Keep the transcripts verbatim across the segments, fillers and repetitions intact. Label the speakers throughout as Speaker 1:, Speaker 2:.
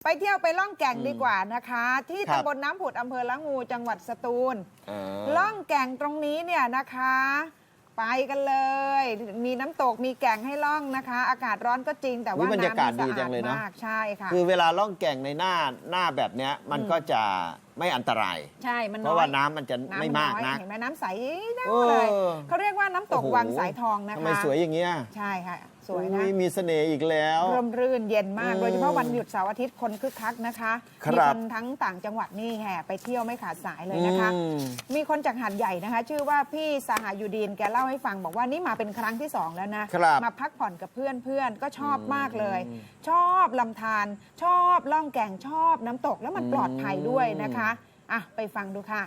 Speaker 1: ไปเที่ยวไปล่องแก่ง
Speaker 2: อืม
Speaker 1: ดีกว่านะคะ ที่
Speaker 2: ครับ
Speaker 1: ตำบลน้ำผุดอำเภอละงูจังหวัดสตูล
Speaker 2: เออ
Speaker 1: ล่องแก่งตรงนี้เนี่ยนะคะ ไปกันเลย มีน้ำตกมีแก่งให้ล่องนะคะ อากาศร้อนก็จริงแต่
Speaker 2: อุ๊
Speaker 1: ว่าย
Speaker 2: บรรยากาศ
Speaker 1: น้ำ
Speaker 2: ดีจังเลยเนอะ
Speaker 1: มากใช่ค่ะ
Speaker 2: คือเวลาล่องแก่งในหน้าหน้าแบบเนี้ยมัน
Speaker 1: อืม
Speaker 2: ก็จะไม่อันตราย
Speaker 1: ใช่มัน
Speaker 2: เพ
Speaker 1: น้อย
Speaker 2: ราะว่าน้ำมันจะ
Speaker 1: น้ำ
Speaker 2: ไม่มาก
Speaker 1: น้อย
Speaker 2: นะ
Speaker 1: เห็นไหมน้ำใสน่า
Speaker 2: เออ
Speaker 1: เลยเขาเรียกว่าน้ำตก
Speaker 2: โอ้โห
Speaker 1: วังสายทองนะคะ
Speaker 2: ทำไมสวยอย่างเงี้ย
Speaker 1: ใช่ค่ะสวยนะ
Speaker 2: อุ๊มีเสน่ห์อีกแล้ว
Speaker 1: ร่มรื่นเย็นมาก
Speaker 2: อืม
Speaker 1: โดยเฉพาะวันหยุดเสาร์อาทิตย์คนคึกคักนะคะ
Speaker 2: ครับ
Speaker 1: มีคนทั้งต่างจังหวัดนี่แห่ไปเที่ยวไม่ขาดสายเลยนะคะ
Speaker 2: อืม
Speaker 1: มีคนจากหาดใหญ่นะคะ ชื่อว่าพี่สหายุดีนแกเล่าให้ฟังบอกว่านี่มาเป็นครั้งที่สองแล้วนะครับ มาพักผ่อนกับเพื่อนเพื่อนก็ชอบมากเลย
Speaker 2: อืม
Speaker 1: ชอบลำธารชอบล่องแก่งชอบน้ำตกแล้วมัน
Speaker 2: อืม
Speaker 1: ปลอดภัยด้วยนะคะอ่ะไปฟังดูค่ะ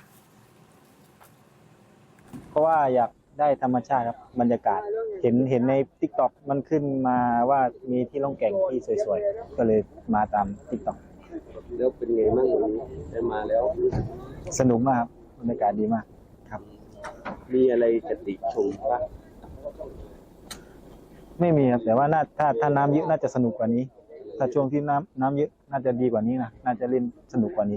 Speaker 3: เพราะว่าอยากได้ธรรมชาติครับบรรยากาศ เห็นเห็นใน ติ๊กต็อก มันขึ้นมาว่ามีที่ล่องแก่งที่สวยๆ ก็เลยมาตาม ติ๊กต็อก
Speaker 4: แล้วเป็นไงบ้างวันนี้ได้มาแล้ว
Speaker 3: สนุกมากครับบรรยากาศดีมากครับ
Speaker 4: มีอะไรจะติชมบ้าง
Speaker 3: ไม่มีครับแต่ว่าน่าถ้าถ้าน้ำเยอะน่าจะสนุกกว่านี้ ถ้าช่วงที่น้ำน้ำเยอะน่าจะดีกว่านี้นะน่าจะเล่นสนุกกว่านี้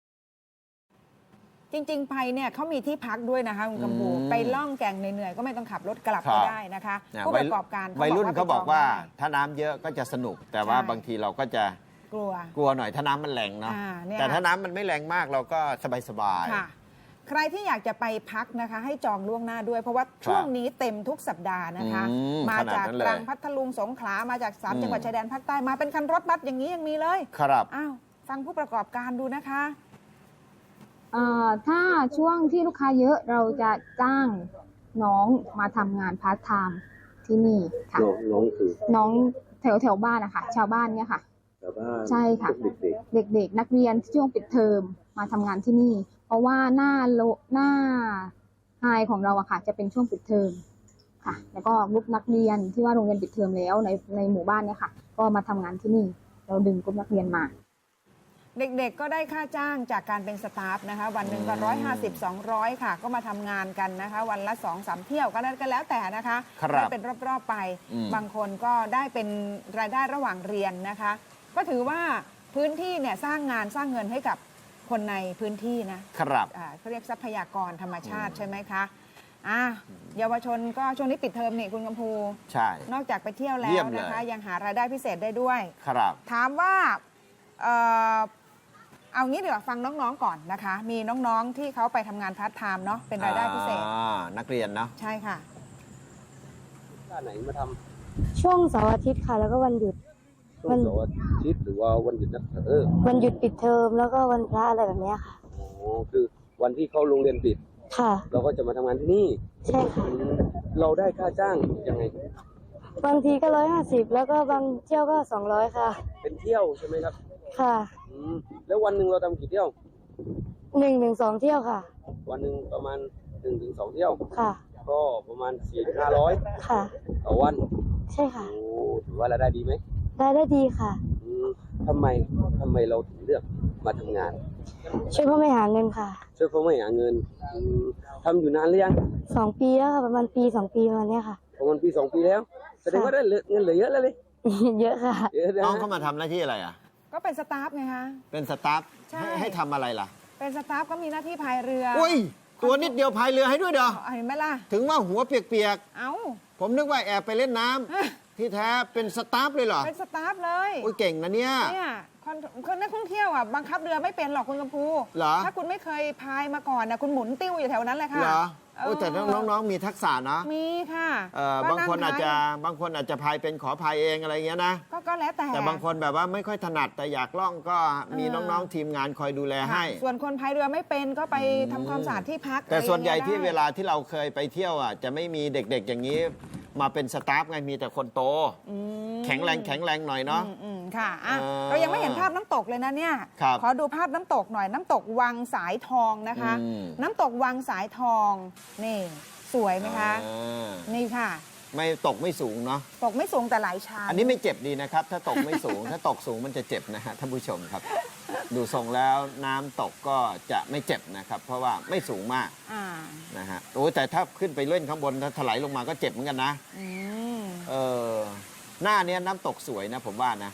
Speaker 1: จริงๆไปเนี่ยเขามีที่พักด้วยนะคะคุณกำพู
Speaker 2: อืม
Speaker 1: ไปล่องแก่งเหนื่อยๆก็ไม่ต้องขับรถกลับ
Speaker 2: ครั
Speaker 1: ก็
Speaker 2: บ
Speaker 1: ได้นะคะ
Speaker 2: เนี่ย
Speaker 1: ผู้
Speaker 2: วั
Speaker 1: ป
Speaker 2: ย
Speaker 1: ระกอบการ
Speaker 2: วัยรุ่นเขาบอกว่า
Speaker 1: ไปจงได้
Speaker 2: ถ้าน้ำเยอะก็จะสนุก แต่ว่า
Speaker 1: ใช่
Speaker 2: บางทีเราก็จะ
Speaker 1: กลัว
Speaker 2: กลัวหน่อยถ้าน้ำมันแรงเนาะ
Speaker 1: อ่าเนี่ย
Speaker 2: แต่ถ้าน้ำมันไม่แรงมากเราก็สบาย
Speaker 1: ค่ะ ใครที่อยากจะไปพักนะคะ ให้จองล่วงหน้าด้วย เพราะว่าช่วงนี้เต็มทุกสัปดาห์นะคะ
Speaker 2: อืม
Speaker 1: มา
Speaker 2: ขนาด
Speaker 1: จาก
Speaker 2: นั้นเลย
Speaker 1: ตรังพัทลุงสงขลามาจากสาม
Speaker 2: อืม
Speaker 1: จังหวัดชายแดนภาคใต้มาเป็นคันรถบัสอย่างนี้ยังมีเลย
Speaker 2: ๆครับ
Speaker 1: อ้าวฟังผู้ประกอบการดูนะคะ
Speaker 5: เอ่อถ้าช่วงที่ลูกค้าเยอะเราจะจ้างน้องมาทำงานพาร์ทไทม์ที่นี่ค่ะ
Speaker 4: น้องน้องคือ
Speaker 5: น้องแถวแถวบ้านนะคะชาวบ้านเนี่ยค่ะ
Speaker 4: ชาวบ้าน
Speaker 5: ใช่ค่ะ
Speaker 4: เด็ก
Speaker 5: เด็กๆ นักเรียนช่วงปิดเทอมมาทำงานที่นี่ เพราะว่าหน้าโลหน้าไฮของเราอะค่ะ จะเป็นช่วงปิดเทอมค่ะ แล้วก็กลุ่มนักเรียนที่ว่าโรงเรียนปิดเทอมแล้วในในหมู่บ้านเนี่ยค่ะ ก็มาทำงานที่นี่ เราดึงกลุ่มนักเรียนมา
Speaker 1: เด็กๆ ก็ได้ค่าจ้างจากการเป็นสตาฟนะคะ วันหนึ่งก็ร้อยห้าสิบสองร้อยค่ะ ก็มาทำงานกันนะคะ วันละสองสามเที่ยวก็แล้วก็แล้วแต่นะคะ
Speaker 2: ครับ
Speaker 1: ได้เป็นรอบๆไป
Speaker 2: อืม
Speaker 1: บางคนก็ได้เป็นรายได้ระหว่างเรียนนะคะ ก็ถือว่าพื้นที่เนี่ยสร้างงานสร้างเงินให้กับคนในพื้นที่นะครับ อ่าเขาเรียกทรัพยากรธรรมชาติใช่ไหมคะอ่ะเยาวชนก็ช่วงนี้ปิดเทอมนี่คุณกำพู
Speaker 2: ใช่
Speaker 1: นอกจากไปเที่ยวแล้
Speaker 2: เยี่
Speaker 1: วย
Speaker 2: มเลย
Speaker 1: นะคะ ยังหารายได้พิเศษได้ด้วย
Speaker 2: ครับ
Speaker 1: ถามว่าเอ่อเอางี้ดีกว่าฟังน้องๆก่อนนะคะ มีน้องๆที่เขาไปทำงานพาร์ทไทม์เนาะเป็นรายได้พิเศษ
Speaker 2: อ่านักเรียนเนาะ
Speaker 1: ใช่ค่ะ
Speaker 4: ๆท่าไหนมาท
Speaker 6: ช่วงเสาร์อาทิตย์ค่ะ แล้วก็วันหยุด
Speaker 4: ำช่วงเสาร์อาทิตย์หรือว่าวันหยุดนักเออ
Speaker 6: วันหยุดปิดเทอมแล้วก็วันพระอะไรแบบเนี้ยค่ะ
Speaker 4: โอ้คือวันที่เขาโรงเรียนปิด
Speaker 6: ค่ะ
Speaker 4: เราก็จะมาทำงานที่นี่
Speaker 6: ใช่ค่ะ
Speaker 4: อืมเราได้ค่าจ้างยังไง
Speaker 6: บางทีก็ร้อยห้าสิบแล้วก็บางเที่ยวก็สองร้อยค่ะ
Speaker 4: เป็นเที่ยวใช่ไหมครับ
Speaker 6: ค่ะ
Speaker 4: อืมแล้ววันหนึ่งเราทำกี่เที่ยว
Speaker 6: หนึ่งถึงสองเที่ยวค่ะ
Speaker 4: วันหนึ่งประมาณหนึ่งถึงสองเที่ยว
Speaker 6: ค่ะ
Speaker 4: ก็ประมาณสี่ถึงห้าร้อย
Speaker 6: ค่ะ
Speaker 4: ต่อวัน
Speaker 6: ใช่ค่ะ
Speaker 4: โอ้ถือว่ารายได้ดีไหม
Speaker 6: รายได้ดีค่ะ
Speaker 4: อืมทำไมทำไมเราถึงเลือกมาทำงาน
Speaker 6: ช่วยพ่อแม่หาเงินค่ะ
Speaker 4: ช่วยพ่อแม่หาเงินอืมทำอยู่นานหรือยัง
Speaker 6: สองปีแล้วค่ะ ประมาณปีสองปีประมาณเนี้ยค่ะ
Speaker 4: ประมาณปีสองปีแล้ว แสดงว่าได้เหลือเงินเหลือเยอะแล้วเลย
Speaker 6: เยอะค่ะ
Speaker 4: เยอะนะ
Speaker 2: น้องเขามาทำหน้าที่อะไรอ่ะ
Speaker 1: ก็เป็นสตาฟไงคะ
Speaker 2: เป็นสตาฟ
Speaker 1: ใช่
Speaker 2: ให้ให้ทำอะไรล่ะ
Speaker 1: เป็นสตาฟก็มีหน้าที่พายเรือ
Speaker 2: อุ้ย ตัวนิดเดียวพายเรือให้ด้วยเด้อ
Speaker 1: เอาเห็นไหมล่ะ
Speaker 2: ถึงว่าหัวเปียก
Speaker 1: เอ้า
Speaker 2: ๆ ผมนึกว่าแอบไปเล่นน้ำ ที่แท้เป็นสตาฟเลยเหรอ
Speaker 1: เป็นสตาฟเลย
Speaker 2: อุ้ยเก่งนะเนี่ย
Speaker 1: เนี่ยคนคนนักท่องเที่ยวอ่ะบังคับเรือไม่เป็นหรอกคุณกำพู
Speaker 2: เหรอ
Speaker 1: ถ้าคุณไม่เคยพายมาก่อนนะคุณหมุนติ้วอยู่แถวนั้นเลยค่ะ
Speaker 2: เหรอ
Speaker 1: เออ
Speaker 2: โอ้ยแต่น้องๆมีทักษะนะ
Speaker 1: มีค่ะ
Speaker 2: เอ่อ
Speaker 1: ก็
Speaker 2: บางคนอาจจะ
Speaker 1: พย
Speaker 2: บางคนอาจจะพายเป็นขอพายเองอะไรเงี้ยนะ
Speaker 1: ก็ก็แล้วแต่
Speaker 2: แต่บางคนแบบว่าไม่ค่อยถนัดแต่อยากล่องก็มี
Speaker 1: เออ
Speaker 2: น้องๆทีมงานคอยดูแลให้
Speaker 1: ค่ะส่วนคนพายเรือไม่เป็นก็ไปทำความสะอาดที่พัก
Speaker 2: แต่ส่วนใหญ่
Speaker 1: อะไรอ
Speaker 2: ที่
Speaker 1: ย่างงี้ย
Speaker 2: เวลาที่เราเคยไปเที่ยวอ่ะจะไม่มีเด็กๆอย่างนี้ มาเป็นสตาฟไงมีแต่คนโต
Speaker 1: อืม
Speaker 2: แข็งแรงแข็งแรงหน่อยเนาะ
Speaker 1: อืมอืมค่ะอ่ะ
Speaker 2: เออ
Speaker 1: เรายังไม่เห็นภาพน้ำตกเลยนะเนี่ย
Speaker 2: ครับ
Speaker 1: ขอดูภาพน้ำตกหน่อยน้ำตกวังสายทองนะคะ
Speaker 2: อืม
Speaker 1: น้ำตกวังสายทอง นี่ สวยไหมคะ
Speaker 2: อ่า
Speaker 1: นี่ค่ะ
Speaker 2: ไม่ตกไม่สูงเนาะ
Speaker 1: ตกไม่สูงแต่หลายชั้น
Speaker 2: อันนี้ไม่เจ็บดีนะครับ ถ้าตกไม่สูง ถ้าตกสูงมันจะเจ็บนะฮะท่านผู้ชมครับ ดูทรงแล้วน้ำตกก็จะไม่เจ็บนะครับ เพราะว่าไม่สูงมาก
Speaker 1: อ่า
Speaker 2: นะฮะโอ้แต่ถ้าขึ้นไปเล่นข้างบนถ้าถลายลงมาก็เจ็บเหมือนกันนะ
Speaker 1: อืม
Speaker 2: เออหน้าเนี้ยน้ำตกสวยนะผมว่านะ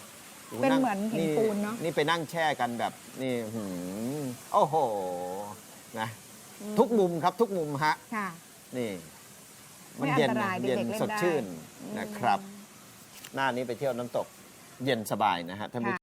Speaker 2: โอ้
Speaker 1: เป็น
Speaker 2: ง
Speaker 1: เหมือนหินปูนเนาะ
Speaker 2: นี่ไปนั่งแช่กันแบบนี่หืมโอ้โหนะทุกมุมครับทุกมุมฮะ
Speaker 1: ค่ะ
Speaker 2: นี่
Speaker 1: ไม่
Speaker 2: เย็น
Speaker 1: อันต
Speaker 2: นะ
Speaker 1: ราย
Speaker 2: เย็น
Speaker 1: เด็กๆเล่น
Speaker 2: สดชื่น
Speaker 1: ได้
Speaker 2: นะครับ หน้านี้ไปเที่ยวน้ำตกเย็นสบายนะฮะท่านผู้